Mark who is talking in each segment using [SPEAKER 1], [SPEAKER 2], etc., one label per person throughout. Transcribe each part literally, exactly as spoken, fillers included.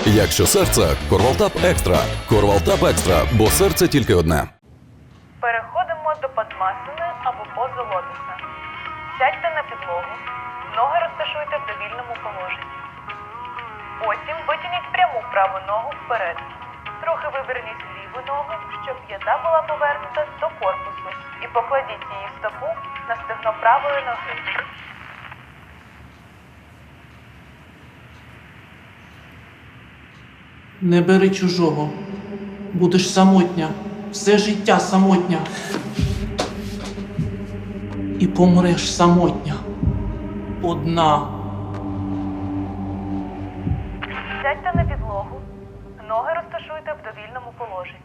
[SPEAKER 1] Якщо серце – Корвалтап Екстра. Корвалтап Екстра, бо серце тільки одне.
[SPEAKER 2] Переходимо до падмасини або пози лотоса. Сядьте на підлогу, ноги розташуйте в довільному положенні. Потім витягніть пряму праву ногу вперед. Трохи виверніть ліву ногу, щоб п'ята була повернута до корпусу. І покладіть її стопу на стегно правої ноги.
[SPEAKER 3] Не бери чужого. Будеш самотня. Все життя самотня. І помреш самотня. Одна.
[SPEAKER 2] Сядьте на підлогу, ноги розташуйте в довільному положенні.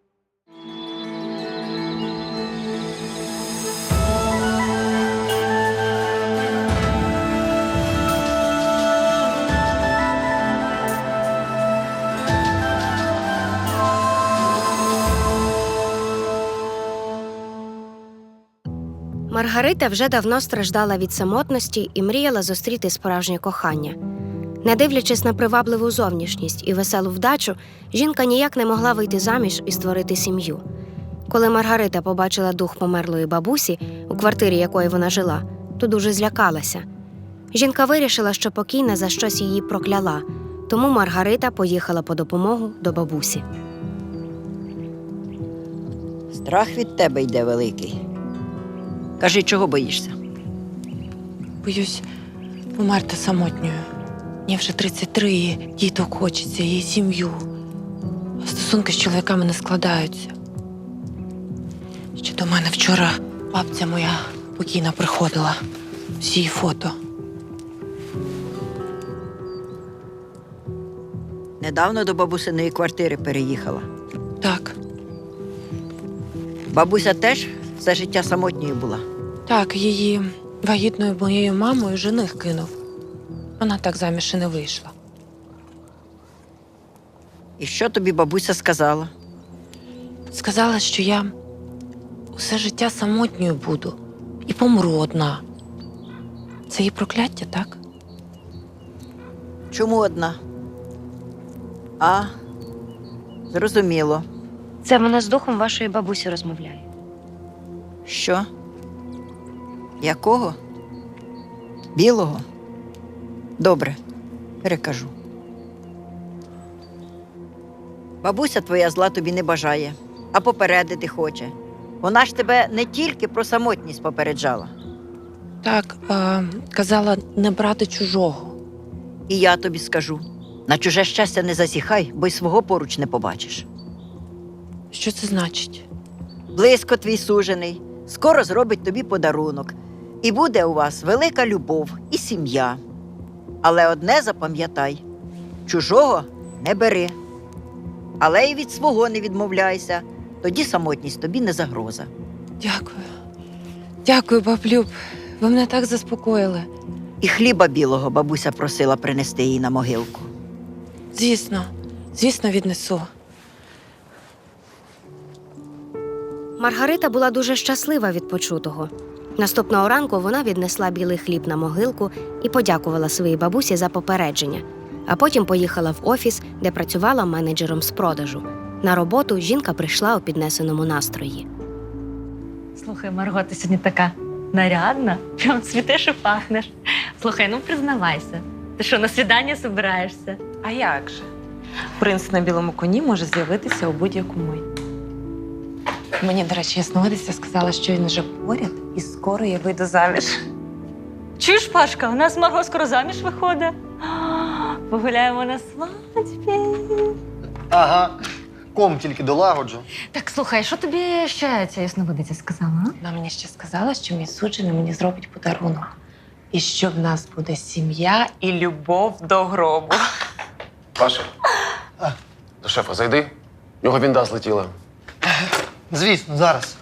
[SPEAKER 4] Маргарита вже давно страждала від самотності і мріяла зустріти справжнє кохання. Не дивлячись на привабливу зовнішність і веселу вдачу, жінка ніяк не могла вийти заміж і створити сім'ю. Коли Маргарита побачила дух померлої бабусі, у квартирі якої вона жила, то дуже злякалася. Жінка вирішила, що покійна за щось її прокляла, тому Маргарита поїхала по допомогу до бабусі.
[SPEAKER 5] Страх від тебе йде великий. Кажи, чого боїшся?
[SPEAKER 6] Боюсь померти самотньою. Мені вже тридцять три, і діток хочеться, і сім'ю. А стосунки з чоловіками не складаються. Ще до мене вчора бабця моя покійна приходила. Всі її фото.
[SPEAKER 5] Недавно до бабусиної квартири переїхала.
[SPEAKER 6] Так,
[SPEAKER 5] Бабуся теж все життя самотньою була.
[SPEAKER 6] так, її вагітною моєю мамою жених кинув. Вона так заміж і не вийшла.
[SPEAKER 5] І що тобі бабуся сказала?
[SPEAKER 6] Сказала, що я усе життя самотньою буду і помру одна. Це її прокляття, так?
[SPEAKER 5] Чому одна? А, зрозуміло.
[SPEAKER 4] Це вона з духом вашої бабусі розмовляє.
[SPEAKER 5] Що? Якого? Білого? Добре, перекажу. Бабуся твоя зла тобі не бажає, а попередити хоче. Вона ж тебе не тільки про самотність попереджала.
[SPEAKER 6] Так, е, казала не брати чужого.
[SPEAKER 5] І я тобі скажу, на чуже щастя не засіхай, бо й свого поруч не побачиш.
[SPEAKER 6] Що це значить?
[SPEAKER 5] Близько твій сужений, скоро зробить тобі подарунок. І буде у вас велика любов і сім'я. Але одне запам'ятай – чужого не бери. Але й від свого не відмовляйся, тоді самотність тобі не загроза.
[SPEAKER 6] Дякую. Дякую, баблюб. Ви мене так заспокоїли.
[SPEAKER 5] І хліба білого бабуся просила принести їй на могилку.
[SPEAKER 6] Звісно, звісно, віднесу.
[SPEAKER 4] Маргарита була дуже щаслива від почутого. Наступного ранку вона віднесла білий хліб на могилку і подякувала своїй бабусі за попередження, а потім поїхала в офіс, де працювала менеджером з продажу. На роботу жінка прийшла у піднесеному настрої.
[SPEAKER 7] Слухай, Марго, ти сьогодні така нарядна, прям цвітеш і пахнеш. Слухай, ну признавайся, ти що, на свідання збираєшся?
[SPEAKER 8] А як же? Принц на білому коні може з'явитися у будь-яку мить.
[SPEAKER 6] Мені, до речі, ясновидиця сказала, що він вже поряд і скоро я вийду заміж.
[SPEAKER 7] Чуєш, Пашка, у нас Марго скоро заміж виходить. А, Погуляємо на свадьбі.
[SPEAKER 9] Ага, ком тільки долагоджу.
[SPEAKER 7] Так, слухай, що тобі ще ця ясновидиця сказала? А?
[SPEAKER 6] Вона мені ще сказала, що мій суджений мені зробить подарунок. І що в нас буде сім'я і любов до гробу.
[SPEAKER 10] Паша, до шефа зайди. В нього вінда злетіла.
[SPEAKER 9] Звісно, зараз.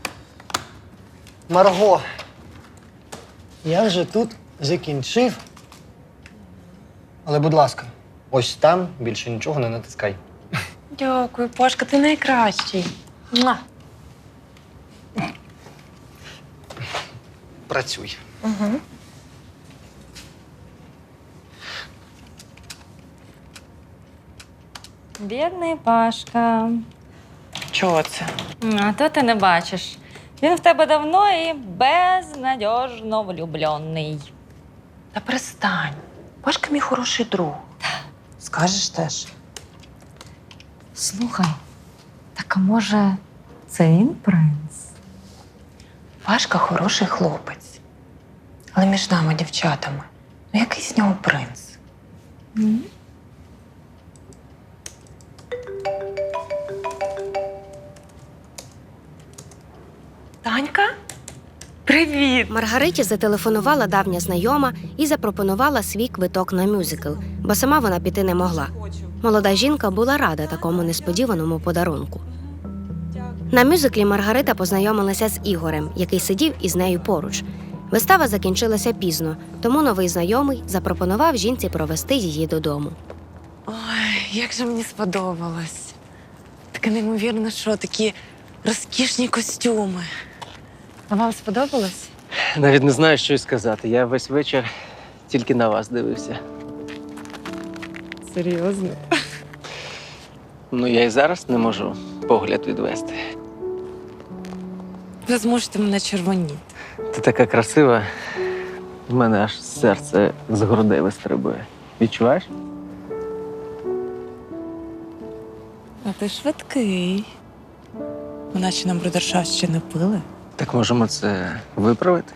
[SPEAKER 9] Марго, я вже тут закінчив. Але, будь ласка, ось там більше нічого не натискай.
[SPEAKER 6] Дякую, Пашка, ти найкращий. Муа.
[SPEAKER 9] Працюй.
[SPEAKER 6] Угу.
[SPEAKER 7] Бідний Пашка.
[SPEAKER 6] Чого це?
[SPEAKER 7] А то ти не бачиш. Він в тебе давно і безнадіжно влюблений.
[SPEAKER 6] Та перестань. Пашка мій хороший друг. Скажеш теж.
[SPEAKER 7] Слухай, так а може це він принц?
[SPEAKER 6] Пашка хороший хлопець. Але між нами, дівчатами, ну який з нього принц? Танька? Привіт!
[SPEAKER 4] Маргариті зателефонувала давня знайома і запропонувала свій квиток на мюзикл, бо сама вона піти не могла. Молода жінка була рада такому несподіваному подарунку. На мюзиклі Маргарита познайомилася з Ігорем, який сидів із нею поруч. Вистава закінчилася пізно, тому новий знайомий запропонував жінці провести її додому.
[SPEAKER 6] Ой, як же мені сподобалось. Таке неймовірно, що такі розкішні костюми. А вам сподобалось?
[SPEAKER 11] Навіть не знаю, що й сказати. Я весь вечір тільки на вас дивився.
[SPEAKER 6] Серйозно?
[SPEAKER 11] Ну, я і зараз не можу погляд відвести.
[SPEAKER 6] Ви зможете мене червоніти.
[SPEAKER 11] Ти така красива, в мене аж серце з грудей вистрибує. Відчуваєш?
[SPEAKER 6] А ти швидкий. Ви наче нам брудершафт ще не пили.
[SPEAKER 11] Так можемо це виправити?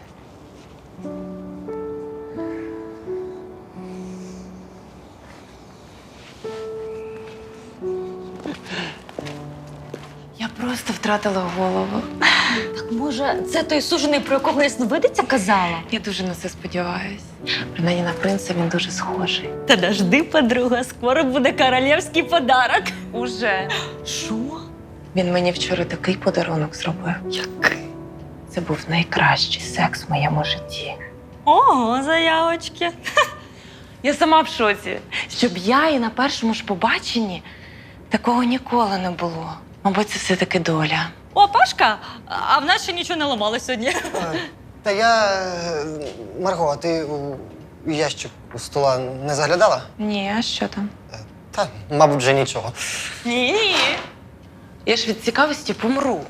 [SPEAKER 6] Я просто втратила голову.
[SPEAKER 7] Так може, це той сужений, про якого ясновидиця казала?
[SPEAKER 6] Я дуже на це сподіваюсь. Принаймні на принца він дуже схожий.
[SPEAKER 7] Та дожди, подруга, скоро буде королівський подарок.
[SPEAKER 6] Уже.
[SPEAKER 7] Що?
[SPEAKER 6] Він мені вчора такий подарунок зробив.
[SPEAKER 7] Який?
[SPEAKER 6] Це був найкращий секс в моєму житті.
[SPEAKER 7] Ого, заявочки.
[SPEAKER 6] Я сама в шоці. Щоб я і на першому ж побаченні такого ніколи не було. Мабуть, це все-таки доля.
[SPEAKER 7] О, Пашка, а в нас ще нічого не ламалось сьогодні.
[SPEAKER 9] Та я. е, Марго, а ти у ящик у стола не заглядала?
[SPEAKER 6] Ні, а що там?
[SPEAKER 9] Та, мабуть, вже нічого.
[SPEAKER 6] Ні. Я ж від цікавості помру.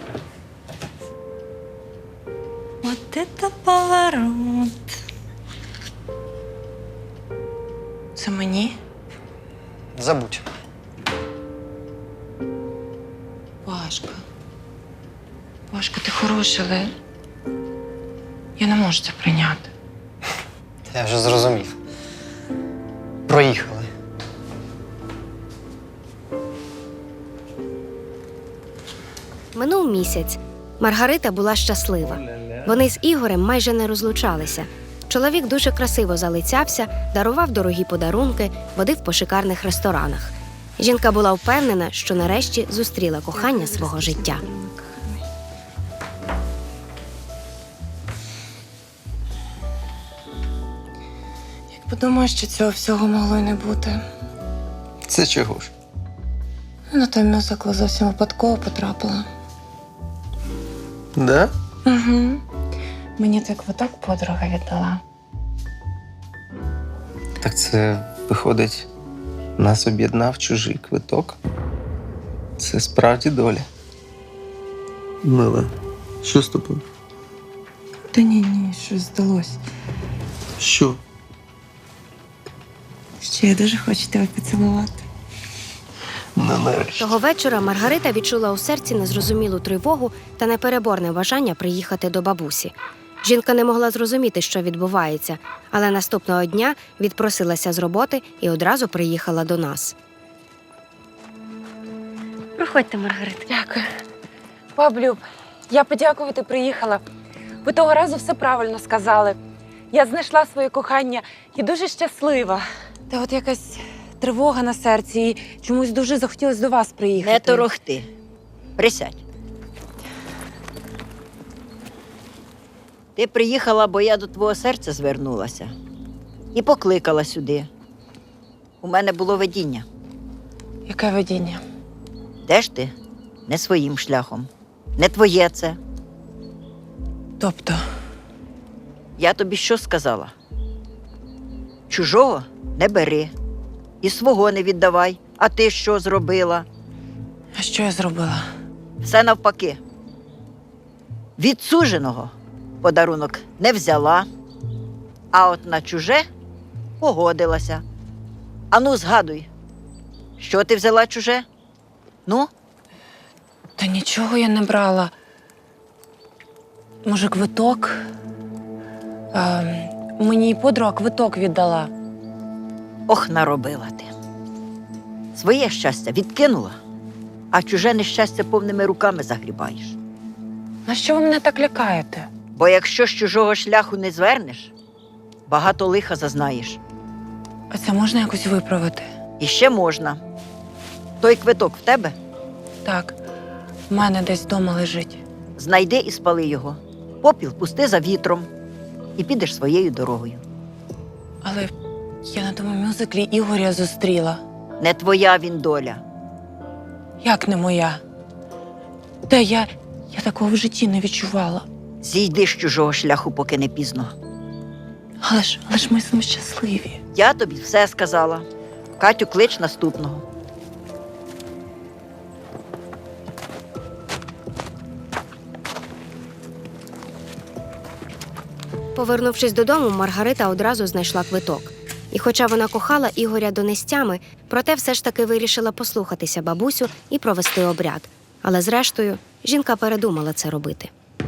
[SPEAKER 7] От это поворот.
[SPEAKER 6] Це мені?
[SPEAKER 9] Забудь.
[SPEAKER 6] Пашка. Пашка, ти хороший, але я не можу це прийняти.
[SPEAKER 9] Я вже зрозумів. Проїхали.
[SPEAKER 4] Минув місяць. Маргарита була щаслива. Вони з Ігорем майже не розлучалися. Чоловік дуже красиво залицявся, дарував дорогі подарунки, водив по шикарних ресторанах. Жінка була впевнена, що нарешті зустріла кохання свого життя.
[SPEAKER 6] Як подумаю, що цього всього могло й не бути.
[SPEAKER 11] Це чого ж?
[SPEAKER 6] На той мюзикл зовсім випадково потрапила.
[SPEAKER 11] Да?
[SPEAKER 6] Угу. Мені той квиток подруга віддала.
[SPEAKER 11] Так це, виходить, нас об'єднав чужий квиток. Це справді доля. Мила, що з тобою?
[SPEAKER 6] Та ні, ні, щось здалось.
[SPEAKER 11] Що?
[SPEAKER 6] Ще я дуже хочу тебе поцілувати.
[SPEAKER 11] Ну, нарешті.
[SPEAKER 4] Того вечора Маргарита відчула у серці незрозумілу тривогу та непереборне бажання приїхати до бабусі. Жінка не могла зрозуміти, що відбувається, але наступного дня відпросилася з роботи і одразу приїхала до нас.
[SPEAKER 7] Проходьте, Маргарита.
[SPEAKER 6] Дякую. Баблюб, я подякувати приїхала. Ви того разу все правильно сказали. Я знайшла своє кохання і дуже щаслива. Та от якась тривога на серці і чомусь дуже захотілося до вас приїхати.
[SPEAKER 5] Не торохти. Присядь. Ти приїхала, бо я до твого серця звернулася і покликала сюди. У мене було видіння.
[SPEAKER 6] Яке видіння?
[SPEAKER 5] Де ж ти? Не своїм шляхом. Не твоє це.
[SPEAKER 6] Тобто,
[SPEAKER 5] Я тобі що сказала? Чужого не бери і свого не віддавай, А ти що зробила?
[SPEAKER 6] А що я зробила?
[SPEAKER 5] Все навпаки. Від суженого подарунок не взяла, а от на чуже погодилася. Ану, згадуй, що ти взяла чуже? Ну?
[SPEAKER 6] Та нічого я не брала. Може, квиток? А, мені подруга квиток віддала.
[SPEAKER 5] Ох, наробила ти. Своє щастя відкинула, а чуже нещастя повними руками загрібаєш.
[SPEAKER 6] На що ви мене так лякаєте?
[SPEAKER 5] Бо якщо з чужого шляху не звернеш, багато лиха зазнаєш.
[SPEAKER 6] А це можна якось виправити?
[SPEAKER 5] І ще можна. Той квиток в тебе?
[SPEAKER 6] Так, в мене десь вдома лежить.
[SPEAKER 5] Знайди і спали його. Попіл пусти за вітром і підеш своєю дорогою.
[SPEAKER 6] Але я на тому мюзиклі Ігоря зустріла.
[SPEAKER 5] Не твоя він доля.
[SPEAKER 6] Як не моя? Та я, я такого в житті не відчувала.
[SPEAKER 5] Зійди з чужого шляху, поки не пізно.
[SPEAKER 6] Але ж, але ж ми з ним щасливі.
[SPEAKER 5] Я тобі все сказала. Катю, клич наступного.
[SPEAKER 4] Повернувшись додому, Маргарита одразу знайшла квиток. І хоча вона кохала Ігоря донестями, проте все ж таки вирішила послухатися бабусю і провести обряд. Але зрештою, жінка передумала це робити.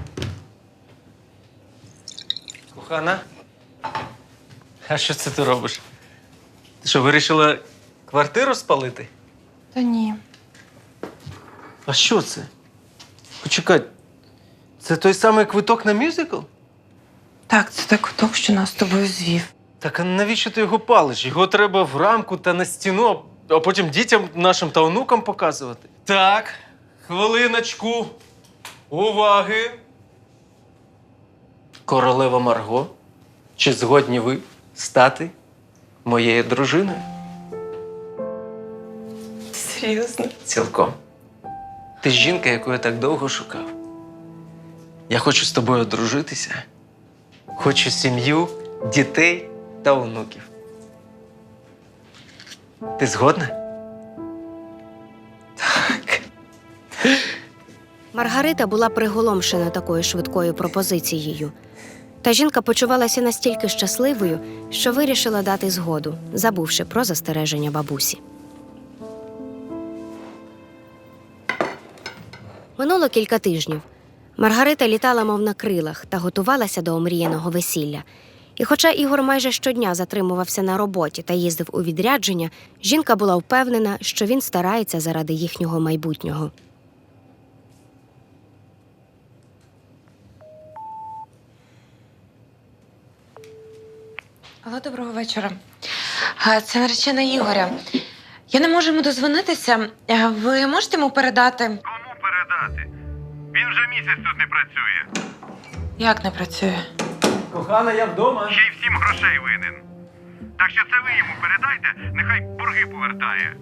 [SPEAKER 11] Кохана, а що це ти робиш? Ти що, вирішила квартиру спалити?
[SPEAKER 6] Та ні.
[SPEAKER 11] А що це? Почекай, це той самий квиток на мюзикл?
[SPEAKER 6] Так, це той квиток, що нас з тобою звів.
[SPEAKER 11] Так а навіщо ти його палиш? Його треба в рамку та на стіну, а потім дітям нашим та онукам показувати. Так, хвилиночку. Уваги. Королева Марго, чи згодні ви стати моєю дружиною?
[SPEAKER 6] Серйозно?
[SPEAKER 11] Цілком. Ти ж жінка, яку я так довго шукав. Я хочу з тобою одружитися. Хочу сім'ю, дітей та онуків. Ти згодна? Так.
[SPEAKER 4] Маргарита була приголомшена такою швидкою пропозицією. Та жінка почувалася настільки щасливою, що вирішила дати згоду, забувши про застереження бабусі. Минуло кілька тижнів. Маргарита літала, мов на крилах, та готувалася до омріяного весілля. І хоча Ігор майже щодня затримувався на роботі та їздив у відрядження, жінка була впевнена, що він старається заради їхнього майбутнього.
[SPEAKER 6] Алло, доброго вечора. А, Це наречена Ігоря. Я не можу йому дозвонитися. А ви можете йому передати?
[SPEAKER 12] Кому передати? Він вже місяць тут не працює.
[SPEAKER 6] Як не працює?
[SPEAKER 11] Кохана, я вдома.
[SPEAKER 12] Ще й всім грошей винен. Так що це ви йому передайте, нехай борги повертає.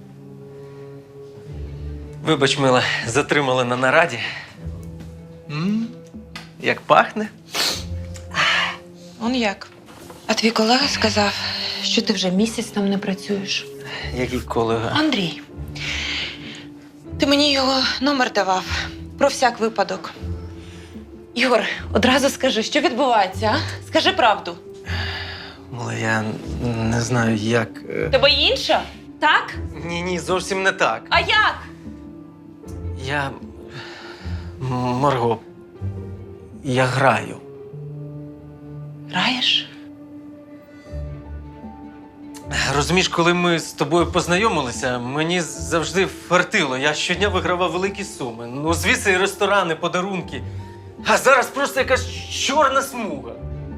[SPEAKER 11] Вибач, мила, затримали на нараді. М? Як пахне?
[SPEAKER 6] Он як? А твій колега сказав, що ти вже місяць там не працюєш.
[SPEAKER 11] Який колега?
[SPEAKER 6] Андрій, ти мені його номер давав. Про всяк випадок. Ігор, одразу скажи, що відбувається, а? Скажи правду.
[SPEAKER 11] Мила, я не знаю, як. е,
[SPEAKER 6] Тебе інша? Так?
[SPEAKER 11] Ні, ні, зовсім не так.
[SPEAKER 6] А як?
[SPEAKER 11] Я. М, Марго. Я граю.
[SPEAKER 6] Граєш?
[SPEAKER 11] Розумієш, коли ми з тобою познайомилися, мені завжди фартило. Я щодня вигравав великі суми. Ну, звідси і ресторани, подарунки. А зараз просто якась чорна смуга.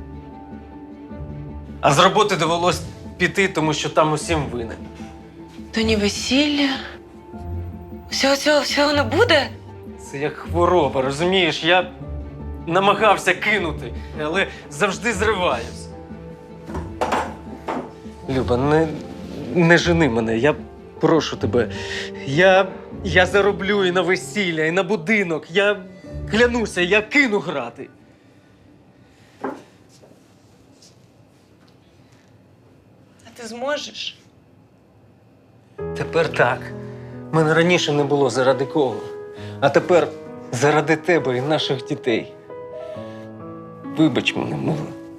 [SPEAKER 11] А з роботи довелось піти, тому що там усім винен.
[SPEAKER 6] То ні весілля. Всього цього всього не буде?
[SPEAKER 11] Це як хвороба, розумієш? Я намагався кинути, але завжди зриваюсь. Люба, не, не жени мене, я прошу тебе. Я, я зароблю і на весілля, і на будинок. Я клянуся, я кину грати.
[SPEAKER 6] А ти зможеш?
[SPEAKER 11] Тепер так. Мене раніше не було заради кого. А тепер заради тебе і наших дітей. Вибач мене, мила.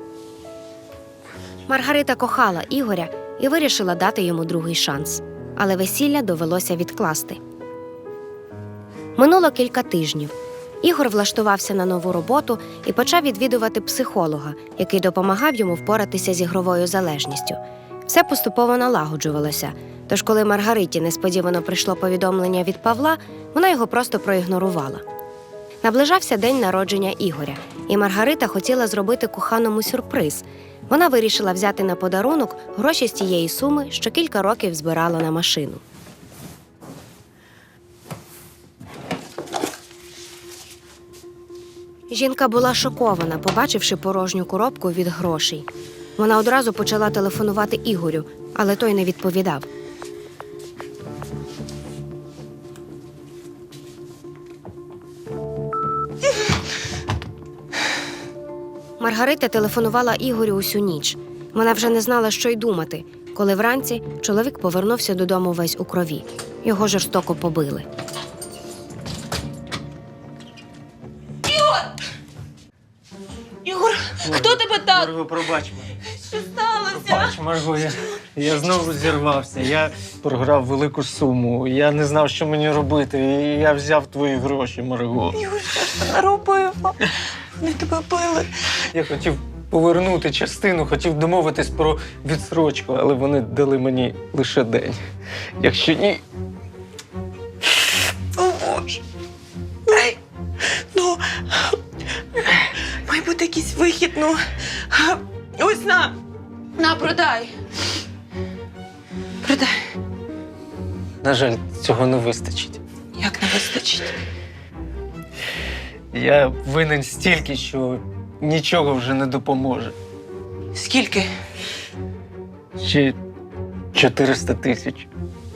[SPEAKER 4] Маргарита кохала Ігоря і вирішила дати йому другий шанс. Але весілля довелося відкласти. Минуло кілька тижнів. Ігор влаштувався на нову роботу і почав відвідувати психолога, який допомагав йому впоратися з ігровою залежністю. Все поступово налагоджувалося, тож коли Маргариті несподівано прийшло повідомлення від Павла, вона його просто проігнорувала. Наближався день народження Ігоря, і Маргарита хотіла зробити коханому сюрприз. Вона вирішила взяти на подарунок гроші з тієї суми, що кілька років збирала на машину. Жінка була шокована, побачивши порожню коробку від грошей. Вона одразу почала телефонувати Ігорю, але той не відповідав. Маргарита телефонувала Ігорю усю ніч. Вона вже не знала, що й думати, коли вранці чоловік повернувся додому весь у крові. Його жорстоко побили.
[SPEAKER 6] Ігор, хто тебе так?
[SPEAKER 11] Марго, пробач мене.
[SPEAKER 6] Що сталося?
[SPEAKER 11] Пробач, Марго, я, я знову зірвався. Я програв велику суму. Я не знав, що мені робити. І я взяв твої гроші, Марго.
[SPEAKER 6] Ігор, що ж ти наробив? Вони тебе били.
[SPEAKER 11] Я хотів повернути частину, хотів домовитись про відсрочку, але вони дали мені лише день. Якщо ні,
[SPEAKER 6] О, Боже. Ай, ну, має бути якийсь вихід, ну. Ось на, на, продай. Продай.
[SPEAKER 11] на жаль, цього не вистачить.
[SPEAKER 6] Як не вистачить?
[SPEAKER 11] Я винен стільки, що нічого вже не допоможе.
[SPEAKER 6] Скільки?
[SPEAKER 11] Ще чотириста тисяч.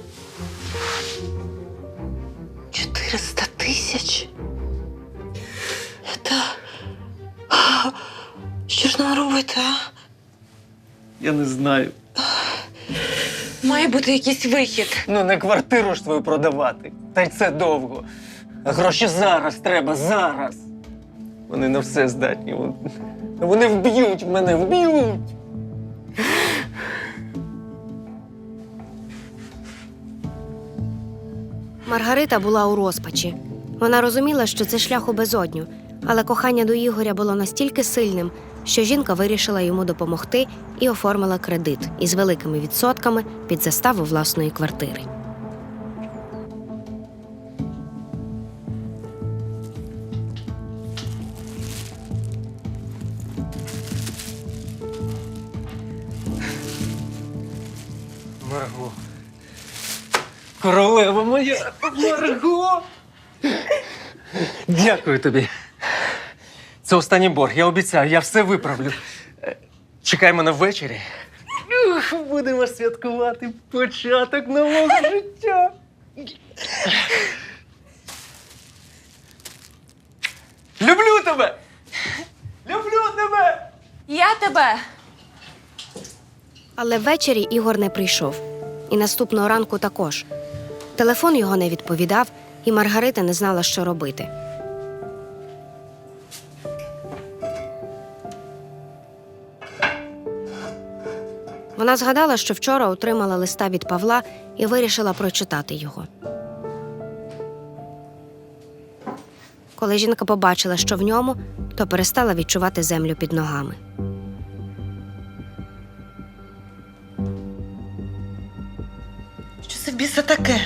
[SPEAKER 6] Чотириста тисяч? Та... Що ж нам робити, а?
[SPEAKER 11] Я не знаю.
[SPEAKER 6] Має бути якийсь вихід.
[SPEAKER 11] Ну, не квартиру ж твою продавати. Та й це довго. А гроші зараз треба, зараз. Вони на все здатні. Вони вб'ють мене, вб'ють.
[SPEAKER 4] Маргарита була у розпачі. Вона розуміла, що це шлях у безодню, але кохання до Ігоря було настільки сильним, що жінка вирішила йому допомогти і оформила кредит із великими відсотками під заставу власної квартири.
[SPEAKER 11] Марго. Королева моя, Марго! Дякую тобі. Це останній борг, я обіцяю, я все виправлю. Е, Чекай мене ввечері. Ух, будемо святкувати початок нового життя. Люблю тебе! Люблю тебе!
[SPEAKER 6] Я тебе!
[SPEAKER 4] Але ввечері Ігор не прийшов. І наступного ранку також. Телефон його не відповідав, і Маргарита не знала, що робити. Вона згадала, що вчора отримала листа від Павла і вирішила прочитати його. Коли жінка побачила, що в ньому, то перестала відчувати землю під ногами.
[SPEAKER 6] Що це в біса таке?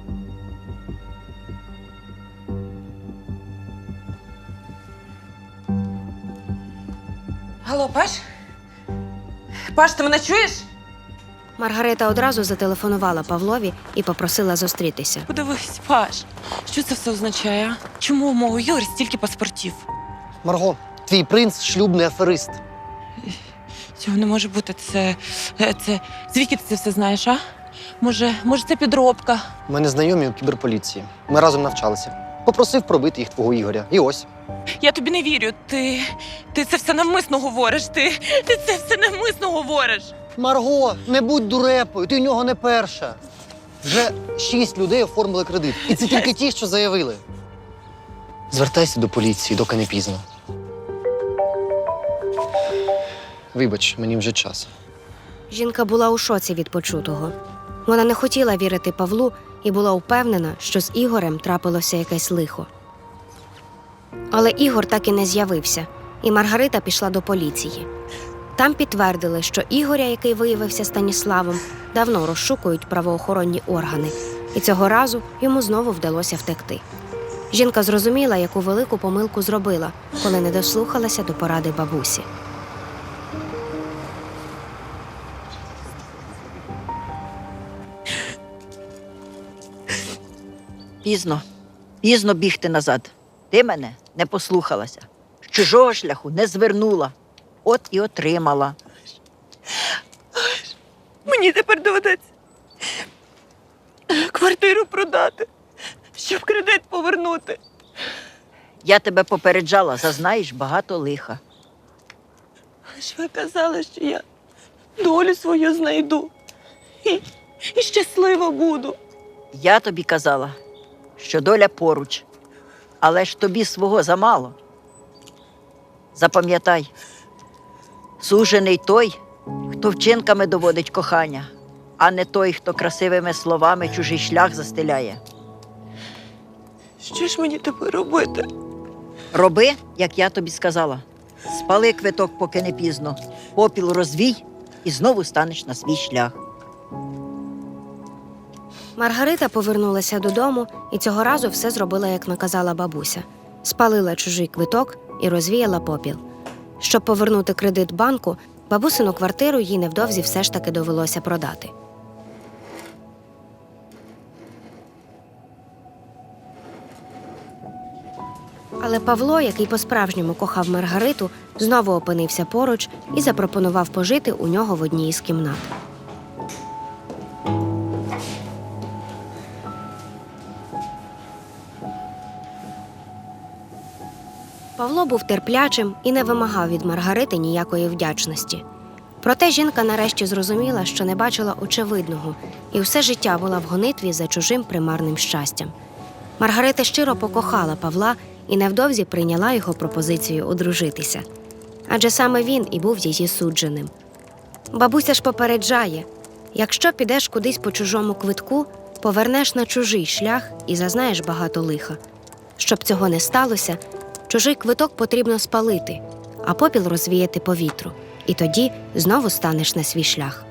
[SPEAKER 6] Алло, Паш? Паш, ти мене чуєш?
[SPEAKER 4] Маргарита одразу зателефонувала Павлові і попросила зустрітися.
[SPEAKER 6] Подивись, Паш, що це все означає, а? Чому у мого Юрі стільки паспортів?
[SPEAKER 9] Марго, твій принц шлюбний аферист.
[SPEAKER 6] Цього не може бути. Це, це... Звідки ти це все знаєш, а? Може, може це підробка?
[SPEAKER 9] У мене знайомі у кіберполіції. Ми разом навчалися. Попросив пробити їх твого Ігоря. І ось.
[SPEAKER 6] Я тобі не вірю. Ти, ти це все навмисно говориш. Ти, ти це все навмисно говориш.
[SPEAKER 9] Марго, не будь дурепою, ти в нього не перша. Вже шість людей оформили кредит. І це тільки ті, що заявили. Звертайся до поліції, доки не пізно. Вибач, мені вже час.
[SPEAKER 4] Жінка була у шоці від почутого. Вона не хотіла вірити Павлу і була впевнена, що з Ігорем трапилося якесь лихо. Але Ігор так і не з'явився, і Маргарита пішла до поліції. Там підтвердили, що Ігоря, який виявився Станіславом, давно розшукують правоохоронні органи, і цього разу йому знову вдалося втекти. Жінка зрозуміла, яку велику помилку зробила, коли не дослухалася до поради бабусі.
[SPEAKER 5] Пізно, пізно бігти назад. Ти мене не послухалася. З чужого шляху не звернула. От і отримала.
[SPEAKER 6] Мені тепер доведеться квартиру продати, щоб кредит повернути.
[SPEAKER 5] Я тебе попереджала, зазнаєш багато лиха.
[SPEAKER 6] Ж ви казали, що я долю свою знайду і, і щаслива буду.
[SPEAKER 5] Я тобі казала, що доля поруч, але ж тобі свого замало. Запам'ятай, сужений той, хто вчинками доводить кохання, а не той, хто красивими словами чужий шлях застеляє.
[SPEAKER 6] Що ж мені тепер робити?
[SPEAKER 5] Роби, як я тобі сказала. Спали квиток, поки не пізно, попіл розвій і знову станеш на свій шлях.
[SPEAKER 4] Маргарита повернулася додому і цього разу все зробила, як наказала бабуся. Спалила чужий квиток і розвіяла попіл. Щоб повернути кредит банку, бабусину квартиру їй невдовзі все ж таки довелося продати. Але Павло, який по-справжньому кохав Маргариту, знову опинився поруч і запропонував пожити у нього в одній із кімнат. Павло був терплячим і не вимагав від Маргарити ніякої вдячності. Проте жінка нарешті зрозуміла, що не бачила очевидного, і все життя була в гонитві за чужим примарним щастям. Маргарита щиро покохала Павла і невдовзі прийняла його пропозицію одружитися. Адже саме він і був її судженим. Бабуся ж попереджає, якщо підеш кудись по чужому квитку, повернеш на чужий шлях і зазнаєш багато лиха. Щоб цього не сталося, чужий квиток потрібно спалити, а попіл розвіяти по вітру. І тоді знову станеш на свій шлях.